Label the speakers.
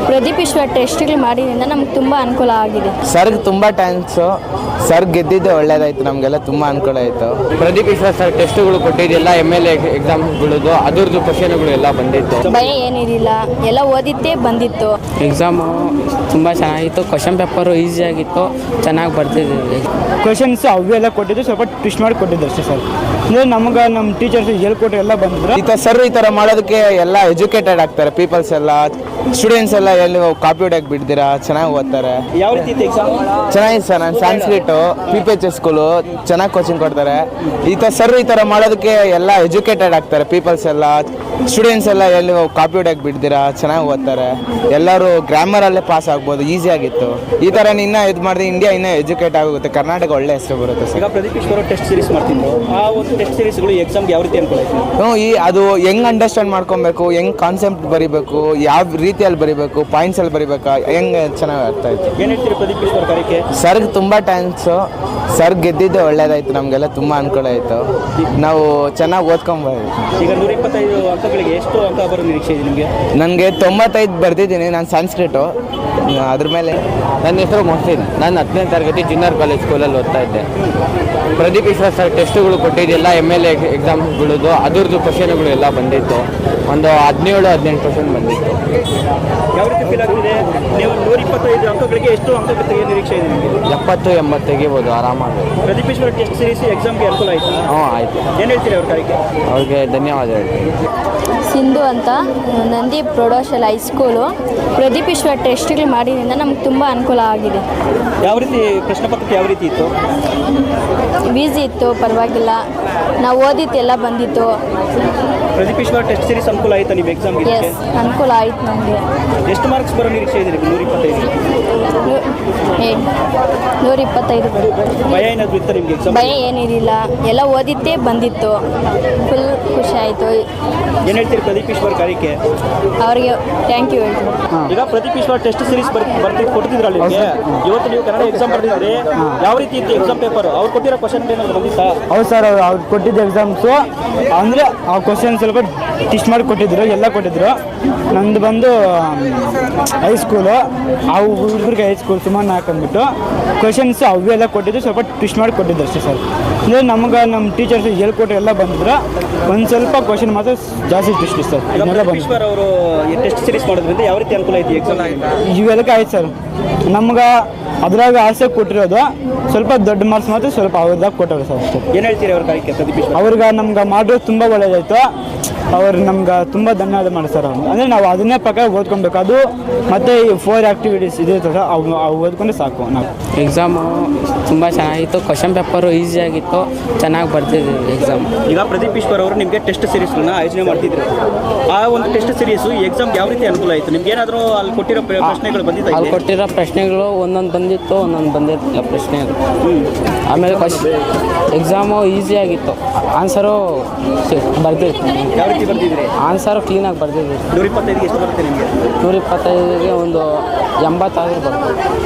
Speaker 1: ಪ್ರದೀಪ್ ಈಶ್ವರ ಟೆಸ್ಟ್ಗಳು ಮಾಡಿದ್ರಿಂದ ನಮ್ಗೆ ತುಂಬ ಅನುಕೂಲ ಆಗಿದೆ.
Speaker 2: ಸರ್ಗೆ ತುಂಬ ಥ್ಯಾಂಕ್ಸು. ಸರ್ ಗೆದ್ದಿದ್ದು ಒಳ್ಳೇದಾಯ್ತು, ನಮಗೆಲ್ಲ ತುಂಬ ಅನುಕೂಲ ಆಯಿತು.
Speaker 3: ಪ್ರದೀಪ್ ಈಶ್ವರ್ ಸರ್ ಟೆಸ್ಟ್ಗಳು ಕೊಟ್ಟಿದ್ದೆಲ್ಲ MLA ಎಕ್ಸಾಮ್ಗಳದ್ದು ಅದರದ್ದು ಕ್ವಶನ್ಗಳು ಎಲ್ಲ ಬಂದಿತ್ತು.
Speaker 1: ಭಯ ಏನಿರಲಿಲ್ಲ, ಎಲ್ಲ ಓದಿದ್ದೇ ಬಂದಿತ್ತು.
Speaker 4: ಎಕ್ಸಾಮು ತುಂಬ ಚೆನ್ನಾಗಿತ್ತು. ಕ್ವಶನ್ ಪೇಪರು ಈಸಿಯಾಗಿತ್ತು, ಚೆನ್ನಾಗಿ ಬರ್ತಿದ್ದೀವಿ.
Speaker 5: ಕ್ವಶನ್ಸ್ ಅವೆಲ್ಲ ಕೊಟ್ಟಿದ್ದು ಸ್ವಲ್ಪ ಟ್ವಿಸ್ಟ್ ಮಾಡಿ ಕೊಟ್ಟಿದ್ದು ಅಷ್ಟೇ ಸರ್. ಅಂದರೆ ನಮ್ಗೆ ನಮ್ಮ ಟೀಚರ್ಸ್ ಹೇಳ್ಕೊಟ್ಟು ಎಲ್ಲ ಬಂದಿದ್ರು.
Speaker 2: ಈ ಥರ ಮಾಡೋದಕ್ಕೆ ಎಲ್ಲ ಎಜುಕೇಟೆಡ್ ಆಗ್ತಾರೆ ಪೀಪಲ್ಸ್ ಎಲ್ಲ. ಸ್ಟೂಡೆಂಟ್ಸ್ ಎಲ್ಲ ಎಲ್ಲಿ ಕಾಪಿ ಹೊಡ್ಯಕ್ಕೆ ಬಿಡ್ದಿರಾ ಚೆನ್ನಾಗಿ ಓದ್ತಾರೆ.
Speaker 5: ಯಾವ ರೀತಿ ಇತ್ತು ಎಕ್ಸಾಮ್?
Speaker 2: ಚೆನ್ನಾಗಿದೆ ಸರ್. ನಾನು ಸಾಂಸ್ಕ್ರಿಟು PPH ಸ್ಕೂಲು ಚೆನ್ನಾಗಿ ಕೋಚಿಂಗ್ ಕೊಡ್ತಾರೆ. ಈ ಥರ ಮಾಡೋದಕ್ಕೆ ಎಲ್ಲ ಎಜುಕೇಟೆಡ್ ಆಗ್ತಾರೆ ಪೀಪಲ್ಸ್ ಎಲ್ಲ. ಸ್ಟೂಡೆಂಟ್ಸ್ ಎಲ್ಲ ಎಲ್ಲಿ ಕಾಪಿ ಹೊಡ್ಯಕ್ಕೆ ಬಿಡ್ದಿರಾ ಚೆನ್ನಾಗಿ ಓದ್ತಾರೆ. ಎಲ್ಲರೂ ಗ್ರಾಮರಲ್ಲೇ ಪಾಸ್ ಆಗ್ಬೋದು, ಈಸಿಯಾಗಿತ್ತು. ಈ ಥರ ಇನ್ನೂ ಇದು ಮಾಡಿದ್ರೆ ಇಂಡಿಯಾ ಇನ್ನೂ ಎಜುಕೇಟ್ ಆಗುತ್ತೆ, ಕರ್ನಾಟಕ ಒಳ್ಳೆ ಹೆಸರು ಬರುತ್ತೆ ಸರ್.
Speaker 5: ಈಗ ಪ್ರದೀಪ್ ಈಶ್ವರ ಟೆಸ್ಟ್ ಸೀರೀಸ್ ಮಾಡ್ತಿದ್ರು. ಆ ಒಂದು ಟೆಸ್ಟ್ ಸೀರೀಸ್ಗಳು ಎಕ್ಸಾಮ್ಗೆ ಯಾವ ರೀತಿ ಅನುಕೂಲ ಆಯಿತು?
Speaker 2: ಅದು ಹೆಂಗೆ ಅಂಡರ್ಸ್ಟ್ಯಾಂಡ್ ಮಾಡ್ಕೊಬೇಕು, ಹೆಂಗೆ ಕಾನ್ಸೆಪ್ಟ್ ಬರೀಬೇಕು, ಯಾವ ರೀತಿಯಲ್ಲಿ ಬರೀಬೇಕು, ಪಾಯಿಂಟ್ಸಲ್ಲಿ ಬರೀಬೇಕಾ, ಹೆಂಗೆ ಚೆನ್ನಾಗಿ ಅರ್ಥ ಆಯಿತು.
Speaker 5: ಏನು ಹೇಳ್ತೀರಿ ಪ್ರದೀಪ್ ಈಶ್ವರ ಕಾರ್ಯಕ್ಕೆ?
Speaker 2: ಸರ್ಗೆ ತುಂಬ ಥ್ಯಾಂಕ್ಸು. ಸರ್ ಗೆದ್ದಿದ್ದು ಒಳ್ಳೇದಾಯಿತು, ನಮಗೆಲ್ಲ ತುಂಬ ಅನುಕೂಲ ಆಯಿತು. ನಾವು ಚೆನ್ನಾಗಿ ಓದ್ಕೊಂಬೋದು.
Speaker 5: ಈಗ 125 ಅಂಕಗಳಿಗೆ ಎಷ್ಟು ಅಂಕ ಬರೋ ನಿರೀಕ್ಷೆ ಇದೆ ನಿಮಗೆ?
Speaker 2: ನನಗೆ 95 ಬರೆದಿದ್ದೀನಿ. ನಾನು ಸಂಸ್ಕೃತು ಅದ್ರ ಮೇಲೆ.
Speaker 3: ನನ್ನ ಹೆಸರು ಮೊಹಸಿನ್. ನಾನು 10ನೇ ತರಗತಿ ಜೂನಿಯರ್ ಕಾಲೇಜ್ ಸ್ಕೂಲಲ್ಲಿ ಓದ್ತಾ ಇದ್ದೆ. ಪ್ರದೀಪ್ ಈಶ್ವರ್ ಸರ್ ಟೆಸ್ಟ್ಗಳು ಕೊಟ್ಟಿದ್ದೆಲ್ಲ MLA ಎಕ್ಸಾಮ್ಗಳದ್ದು ಅದರದ್ದು ಕ್ವಶನ್ಗಳು ಎಲ್ಲ ಬಂದಿತ್ತು. ಒಂದು 17-18 ಕ್ವಶನ್ ಬಂದಿತ್ತು.
Speaker 5: ಯಾವ ರೀತಿ ಫೀಲ್ ಆಗ್ತಿದೆ? ನೀವು 125 ಅಂಕಗಳಿಗೆ ಎಷ್ಟು ಅಂಕ ತೆಗೆಯೋ ನಿರೀಕ್ಷೆ ಇದೆ ನಿಮಗೆ?
Speaker 3: 70-80 ತೆಗಿಬೋದು ಆರಾಮಾಗಿ.
Speaker 5: ಪ್ರದೀಪ್ ಈಶ್ವರ ಟೆಸ್ಟ್ ಸೀರೀಸ್ ಎಕ್ಸಾಮ್ಗೆ ಅನುಕೂಲ ಆಯಿತು?
Speaker 3: ಹ್ಞೂ ಆಯಿತು.
Speaker 5: ಏನು ಹೇಳ್ತೀರಿ ಅವ್ರ ಕಾರ್ಯಕ್ಕೆ?
Speaker 3: ಅವ್ರಿಗೆ ಧನ್ಯವಾದ ಹೇಳ್ತೀನಿ.
Speaker 1: ಸಿಂಧು ಅಂತ, ನಂದಿ ಪ್ರೌಢಶಾಲೆ ಹೈಸ್ಕೂಲು. ಪ್ರದೀಪ್ ಈಶ್ವರ ಟೆಸ್ಟ್ಗಳು ಮಾಡಿದ್ರಿಂದ ನಮ್ಗೆ ತುಂಬ ಅನುಕೂಲ ಆಗಿದೆ.
Speaker 5: ಯಾವ ರೀತಿ ಪ್ರಶ್ನೆ ಪತ್ರಿಕೆ ಯಾವ ರೀತಿ ಇತ್ತು?
Speaker 1: ಈಸಿ ಇತ್ತು, ಪರವಾಗಿಲ್ಲ. ನಾವು ಓದಿದ್ದೆಲ್ಲ ಬಂದಿತ್ತು.
Speaker 5: ಪ್ರದೀಪ್ ಈಶ್ವರ ಟೆಸ್ಟ್ ಸೀರೀಸ್ ಅನುಕೂಲ ಆಯಿತಾ ನೀವು ಎಕ್ಸಾಮ್ಗೆ?
Speaker 1: ಎಸ್, ಅನುಕೂಲ ಆಯ್ತು ನಮಗೆ.
Speaker 5: ಎಷ್ಟು ಮಾರ್ಕ್ಸ್ ಬರೋ ನಿರೀಕ್ಷೆ ಇದೆ ನಿಮಗೆ?
Speaker 1: 125.
Speaker 5: ಭಯ ಏನಾದರೂ ಇತ್ತು ನಿಮಗೆ ಎಕ್ಸಾಮ್?
Speaker 1: ಭಯ ಏನಿರಲಿಲ್ಲ, ಎಲ್ಲ ಓದಿದ್ದೇ ಬಂದಿತ್ತು. ಫುಲ್ ಖುಷಿ ಆಯಿತು.
Speaker 5: ಏನು ಹೇಳ್ತೀರಿ ಪ್ರದೀಪ್ ಈಶ್ವರ್ ಕಾರ್ಯಕ್ಕೆ?
Speaker 1: ಅವರಿಗೆ ಥ್ಯಾಂಕ್ ಯು ಹೇಳ್ತೀನಿ.
Speaker 5: ಈಗ ಪ್ರದೀಪ್ ಈಶ್ವರ್ ಟೆಸ್ಟ್ ಸೀರೀಸ್ ಕೊಡ್ತಿದ್ರಲ್ಲ ನಿಮಗೆ, ಇವತ್ತು ನೀವು ಕನ್ನಡ ಎಕ್ಸಾಮ್ ಬರ್ತಿದ್ರಿ, ಯಾವ ರೀತಿ ಇತ್ತು ಎಕ್ಸಾಮ್ ಪೇಪರ್? ಅವ್ರು ಕೊಟ್ಟಿರೋ ಕ್ವಶನ್ ಏನಾದ್ರು ಬಂದಿತ್ತಾ? ಹೌದು ಸರ್, ಅವ್ರು ಕೊಟ್ಟಿದ್ದ ಎಕ್ಸಾಮ್ಸು ಅಂದರೆ ಆ ಕ್ವಶನ್ ಸ್ವಲ್ಪ ಟೆಸ್ಟ್ ಮಾಡಿ ಕೊಟ್ಟಿದ್ರು, ಎಲ್ಲ ಕೊಟ್ಟಿದ್ರು. ನಂದು ಬಂದು ಹೈಸ್ಕೂಲು, ಆ ಹುಡುಗರಿಗೆ ಹೈಸ್ಕೂಲ್ ಸುಮಾರು ಹಾಕೊಂಡ್ಬಿಟ್ಟು ಕ್ವಶನ್ಸ್ ಅವೆಲ್ಲ ಕೊಟ್ಟಿದ್ದು ಸ್ವಲ್ಪ ಟ್ವಿಸ್ಟ್ ಮಾಡಿ ಕೊಟ್ಟಿದ್ದು ಅಷ್ಟೇ ಸರ್. ಅಂದರೆ ನಮ್ಗೆ ನಮ್ಮ ಟೀಚರ್ಸ್ ಹೇಳ್ಕೊಟ್ಟು ಎಲ್ಲ ಬಂದಿದ್ರು. ಒಂದು ಸ್ವಲ್ಪ ಕ್ವಶನ್ ಮಾತ್ರ ಜಾಸ್ತಿ ಟ್ವಿಸ್ಟ್ ಸರ್. ಈಶ್ವರ್ ಅವರು ಟೆಸ್ಟ್ ಸೀರೀಸ್ ಮಾಡೋದ್ರಿಂದ ಯಾವ ರೀತಿ ಅನುಕೂಲ ಐತಿ ಎಕ್ಸಾಮ್? ಇವೆಲ್ಲಕ್ಕೆ ಆಯ್ತು ಸರ್. ನಮ್ಗೆ ಅದ್ರಾಗ ಆಸೆ ಕೊಟ್ಟಿರೋದು ಸ್ವಲ್ಪ ದೊಡ್ಡ ಮಾರ್ಕ್ಸ್ ಮಾತ್ರ ಸ್ವಲ್ಪ ಅವ್ರದಾಗ ಕೊಟ್ಟವ್ರೆ ಸರ್ ಅಷ್ಟೇ. ಏನು ಹೇಳ್ತೀರಿ ಅವ್ರ ಕಾರ್ಯಕ್ಕೆ ಪ್ರದೀಪ್ ಈಶ್ವರ್? ಅವ್ರಿಗೆ ನಮ್ಗೆ ಮಾಡೋದು ತುಂಬ ಒಳ್ಳೇದಾಯಿತು. ಅವ್ರು ನಮ್ಗೆ ತುಂಬ ಧನ್ಯವಾದ ಮಾಡಿ ಸರ್. ಅವ್ರು ಅಂದರೆ ನಾವು ಅದನ್ನೇ ಪ್ರಕಾರ ಓದ್ಕೊಬೇಕು. ಅದು ಮತ್ತು 4 ಆ್ಯಕ್ಟಿವಿಟೀಸ್ ಇದೆ ಸರ್, ಅವು ಓದ್ಕೊಂಡ್ರೆ ಸಾಕು. ನಾವು
Speaker 4: ಎಕ್ಸಾಮು ತುಂಬ ಚೆನ್ನಾಗಿತ್ತು. ಕ್ವಶನ್ ಪೇಪರು ಈಸಿಯಾಗಿತ್ತು, ಚೆನ್ನಾಗಿ ಬರ್ತಿದ್ದೀವಿ ಎಕ್ಸಾಮ್.
Speaker 5: ಈಗ ಪ್ರದೀಪ್ ಈಶ್ವರ್ ಅವರು ನಿಮಗೆ ಟೆಸ್ಟ್ ಸೀರೀಸ್ಗಳನ್ನ ಆಯೋಜನೆ ಮಾಡ್ತಿದ್ರು. ಆ ಒಂದು ಟೆಸ್ಟ್ ಸೀರೀಸು ಎಕ್ಸಾಮ್ಗೆ ಯಾವ ರೀತಿ ಅನುಕೂಲ ಆಯಿತು? ನಿಮ್ಗೆ ಏನಾದರೂ ಅಲ್ಲಿ ಕೊಟ್ಟಿರೋ ಪ್ರಶ್ನೆಗಳು ಬಂದಿತ್ತು?
Speaker 4: ಅಲ್ಲಿ ಕೊಟ್ಟಿರೋ ಪ್ರಶ್ನೆಗಳು ಒಂದೊಂದು ಬಂದಿತ್ತು, ಒಂದೊಂದು ಬಂದಿರಲಿಲ್ಲ ಪ್ರಶ್ನೆಗಳು. ಆಮೇಲೆ ಎಕ್ಸಾಮು ಈಸಿಯಾಗಿತ್ತು. ಆನ್ಸರು ಬರ್ದಿತ್ತು.
Speaker 5: ಯಾವ ರೀತಿ ಬರ್ತಿದ್ರಿ?
Speaker 4: ಆನ್ಸರು ಕ್ಲೀನಾಗಿ ಬರ್ದಿದ್ವಿ.
Speaker 5: 125ಗೆ ಎಷ್ಟು ಬರುತ್ತೆ ನಿಮಗೆ?
Speaker 4: 125ಗೆ ಒಂದು 80 ಆದರೂ ಬರ್ತದೆ.